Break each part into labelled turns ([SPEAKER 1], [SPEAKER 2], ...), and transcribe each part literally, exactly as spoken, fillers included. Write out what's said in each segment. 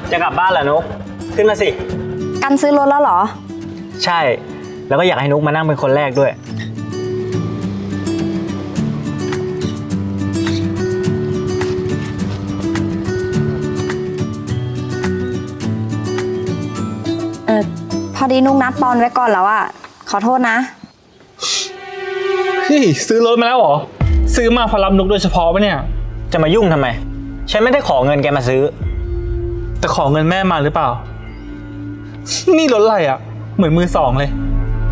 [SPEAKER 1] จะกลับบ้านเหรอนุกขึ้นมาสิ
[SPEAKER 2] กันซื้อรถแล้วเหรอ
[SPEAKER 1] ใช่แล้วก็อยากให้นุกมานั่งเป็นคนแรกด้วย
[SPEAKER 2] เออพอดีนุกนัดปอนไว้ก่อนแล้วอ่ะขอโทษนะ
[SPEAKER 3] เฮ้ยซื้อรถมาแล้วเหรอซื้อมาพอรับนุกโดยเฉพาะปะเนี่ย
[SPEAKER 1] จะมายุ่งทำไมฉันไม่ได้ขอเงินแกมาซื้อ
[SPEAKER 3] แต่ขอเงินแม่มาหรือเปล่านี่รถอะไรอ่ะเหมือนมือสองเลย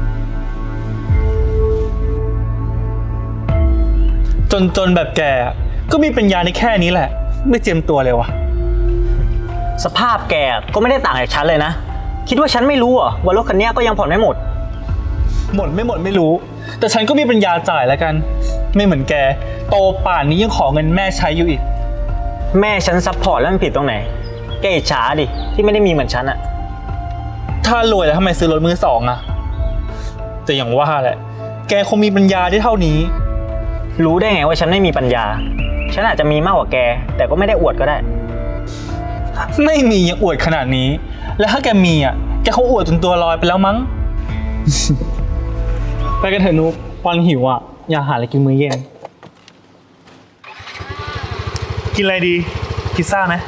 [SPEAKER 3] จนจนแบบแกก็มีปัญญาในแค่นี้แหละไม่เจียมตัวเลยวะ
[SPEAKER 1] สภาพแกก็ไม่ได้ต่างจากฉันเลยนะคิดว่าฉันไม่รู้เหรอว่ารถคันนี้ก็ยังผ่อนไม่หมด
[SPEAKER 3] หมดไม่หมดไม่รู้แต่ฉันก็มีปัญญาจ่ายแล้วกันไม่เหมือนแกโตป่านนี้ยังขอเงินแม่ใช้อยู่อีก
[SPEAKER 1] แม่ฉันซัพพอร์ตแล้วมันผิดตรงไหนแกอิจฉาดิที่ไม่ได้มีเหมือนฉันอะ
[SPEAKER 3] ถ้ารวยแล้วทำไมซื้อรถมือสองอะแต่อย่างว่าแหละแกคงมีปัญญาได้เท่านี้
[SPEAKER 1] รู้ได้ไงว่าฉันไม่มีปัญญาฉันอาจจะมีมากกว่าแกแต่ก็ไม่ได้อวดก็ได้
[SPEAKER 3] ไม่มียังอวดขนาดนี้แล้วถ้าแกมีอ่ะแกคงอวดจนตัวลอยไปแล้วมั้ง ไปกันเถอะนุ๊กปอนหิวอ่ะอยากหาอะไรกินมื้อเย็นกินอะไรดีพิซซ่าไหม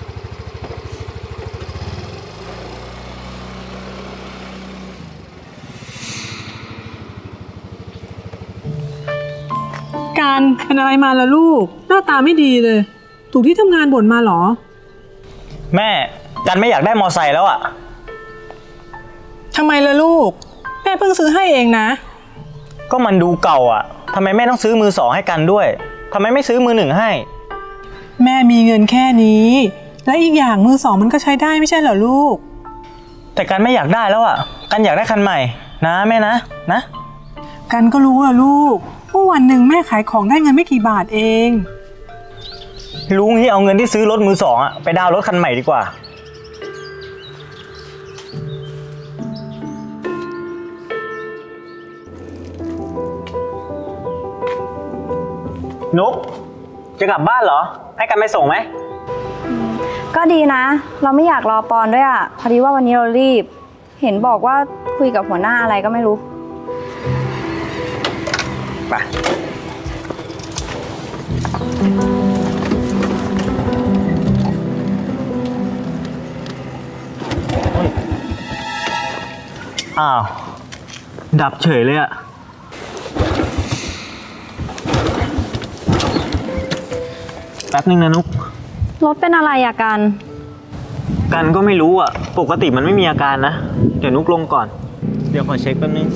[SPEAKER 4] การเป็นอะไรมาล่ะลูกหน้าตาไม่ดีเลยถูกที่ทำงานบ่นมาหรอ
[SPEAKER 1] แม่กันไม่อยากได้มอไซค์แล้วอ่ะ
[SPEAKER 4] ทำไมล่ะลูกแม่เพิ่งซื้อให้เองนะ
[SPEAKER 1] ก็มันดูเก่าอ่ะทำไมแม่ต้องซื้อมือสองให้กันด้วยทำไมไม่ซื้อมือหนึ่งให้
[SPEAKER 4] แม่มีเงินแค่นี้และอีกอย่างมือสองมันก็ใช้ได้ไม่ใช่เหรอลูก
[SPEAKER 1] แต่กันไม่อยากได้แล้วอ่ะกันอยากได้คันใหม่นะแม่นะนะ
[SPEAKER 4] กันก็รู้อะลูกว่าวันหนึ่งแม่ขายของได้เงินไม่กี่บาทเอง
[SPEAKER 1] รู้งี้เอาเงินที่ซื้อรถมือสองอ่ะไปดาวน์รถคันใหม่ดีกว่านุ๊กจะกลับบ้านเหรอให้กันไปส่งไหม
[SPEAKER 2] ก็ดีนะเราไม่อยากรอปอนด้วยอ่ะพอดีว่าวันนี้เรารีบเห็นบอกว่าคุยกับหัวหน้าอะไรก็ไม่รู้ไป
[SPEAKER 1] อ้าวดับเฉยเลยอะแป๊บนึงนะนุ๊ก
[SPEAKER 2] รถเป็นอะไรอะกัน
[SPEAKER 1] กันก็ไม่รู้อะปกติมันไม่มีอาการนะเดี๋ยวนุ๊กลงก่อนเดี๋ยวขอเช็คแป๊บนึง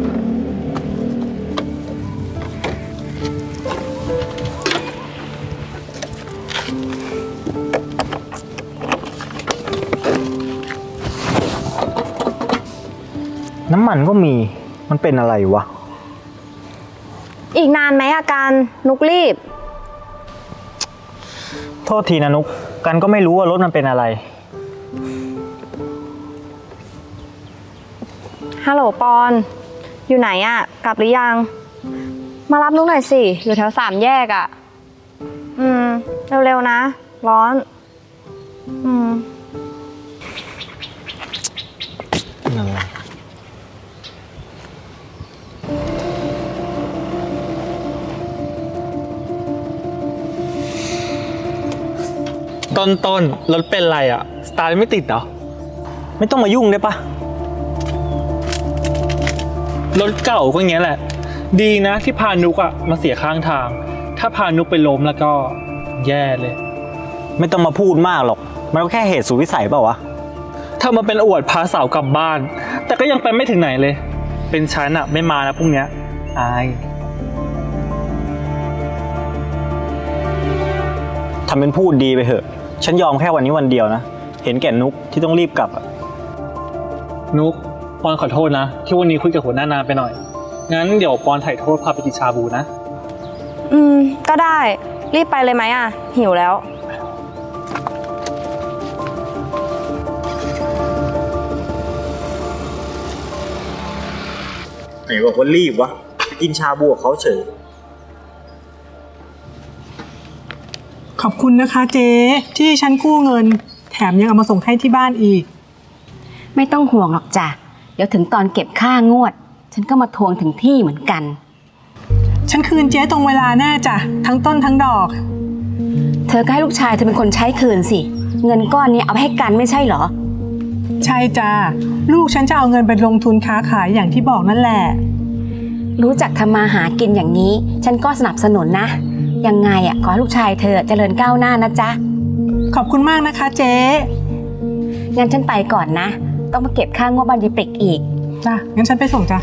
[SPEAKER 1] น้ำมันก็มีมันเป็นอะไรวะ
[SPEAKER 2] อีกนานไหมอาการนุกรีบ
[SPEAKER 1] โทษทีนะนุกกันก็ไม่รู้ว่ารถมันเป็นอะไร
[SPEAKER 2] ฮัลโหลปอนอยู่ไหนอะกลับหรือยังมารับนุกหน่อยสิอยู่แถวสามแยกอะอืมเร็วๆนะร้อนอืม
[SPEAKER 3] ต้นต้นรถเป็นไรอ่ะสตาร์ทไม่ติดเหรอ
[SPEAKER 1] ไม่ต้องมายุ่งได้ปะ
[SPEAKER 3] รถเก่าก็อย่างเงี้ยแหละดีนะที่พานุกอ่ะมาเสียข้างทางถ้าพานุกไปล้มแล้วก็แย่เลย
[SPEAKER 1] ไม่ต้องมาพูดมากหรอกมันก็แค่เหตุสุดวิสัยเปล่าวะ
[SPEAKER 3] ถ้ามาเป็นอวดพาสาวกลับบ้านแต่ก็ยังไปไม่ถึงไหนเลยเป็นฉันอ่ะไม่มานะพรุ่งนี้อาย
[SPEAKER 1] ทำเป็นพูดดีไปเถอะฉันยอมแค่วันนี้วันเดียวนะเห็นแก่นุกที่ต้องรีบกลับอะ
[SPEAKER 3] นุกปอนขอโทษนะที่วันนี้คุยกับหัวหน้านานไปหน่อยงั้นเดี๋ยวปอนถ่ายโทษพาไปกินชาบูนะ
[SPEAKER 2] อืมก็ได้รีบไปเลยไหมอะหิวแล้ว
[SPEAKER 1] ไหนบอกว่ารีบวะกินชาบูกับเขาเฉย
[SPEAKER 4] ขอบคุณนะคะเจ๊ที่ฉันกู้เงินแถแถมยังเอามาส่งให้ที่บ้านอีก
[SPEAKER 5] ไม่ต้องห่วงหรอกจ้ะ เดี๋ยวถึงตอนเก็บค่างวด ฉันก็มาทวงถึงที่เหมือนกัน
[SPEAKER 4] ฉันคืนเจ๊ตรงเวลาแน่จ้ะทั้งต้นทั้งดอก
[SPEAKER 5] เธอก็ให้ลูกชายเธอเป็นคนใช้คืนสิ เงินก้อนนี้เอาไปให้กันไม่ใช่เหรอ
[SPEAKER 4] ใช่จ้ะลูกฉันจะเอาเงินไปลงทุนค้าขายอย่างที่บอกนั่นแหละ
[SPEAKER 5] รู้จักทำมาหากินอย่างนี้ ฉันก็สนับสนุนนะ ยังไงอ่ะขอให้ลูกชายเธอเจริญก้าวหน้านะจ๊ะ
[SPEAKER 4] ขอบคุณมากนะคะเจ๊
[SPEAKER 5] งั้นฉันไปก่อนนะ ต้องมาเก็บค่างวดบ้านยีปริกอีก
[SPEAKER 4] จ้ะงั้นฉันไปส่งจ้ะ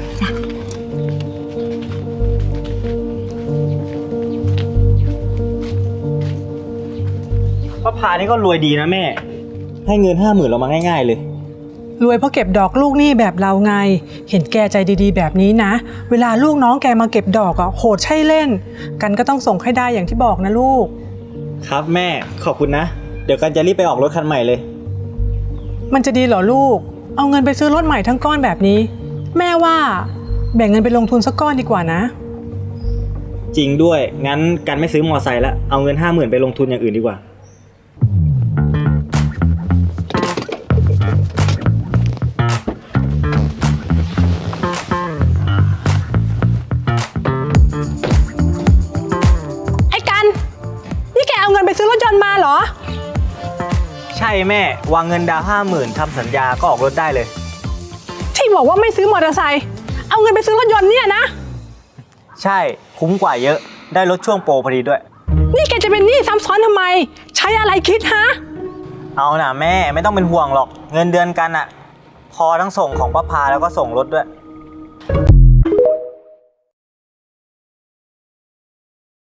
[SPEAKER 1] ป้าพานี่ก็รวยดีนะแม่ ให้เงินห้าหมื่นเรามาง่ายๆเลย
[SPEAKER 4] รวยเพราะเก็บดอกลูกหนี้แบบเราไง เห็นแกใจดีๆแบบนี้นะ เวลาลูกน้องแกมาเก็บดอกอ่ะโหดใช่เล่น กันก็ต้องส่งให้ได้อย่างที่บอกนะลูก
[SPEAKER 1] ครับแม่ขอบคุณนะ เดี๋ยวกันจะรีบไปออกรถคันใหม่เลย
[SPEAKER 4] มันจะดีเหรอลูก เอาเงินไปซื้อรถใหม่ทั้งก้อนแบบนี้ แม่ว่าแบ่งเงินไปลงทุนสักก้อนดีกว่านะ
[SPEAKER 1] จริงด้วย งั้นกันไม่ซื้อมอไซค์แล้ว เอาเงินห้าหมื่นไปลงทุนอย่างอื่นดีกว่า
[SPEAKER 4] ไอ้กัน นี่แกเอาเงินไปซื้อรถยนต์มาเหรอ
[SPEAKER 1] ใช่แม่ วางเงินดาวห้าหมื่นทำสัญญาก็ออกรถได้เลย
[SPEAKER 4] ที่บอกว่าไม่ซื้อมอเตอร์ไซค์ เอาเงินไปซื้อรถยนต์เนี่ยนะ
[SPEAKER 1] ใช่คุ้มกว่าเยอะ ได้รถช่วงโปรพอดีด้วย
[SPEAKER 4] นี่แกจะเป็นหนี้ซ้ำซ้อนทำไม ใช้อะไรคิดฮะ
[SPEAKER 1] เอานะแม่ไม่ต้องเป็นห่วงหรอก เงินเดือนกันอะพอทั้งส่งของป้าพาแล้วก็ส่งรถด้วย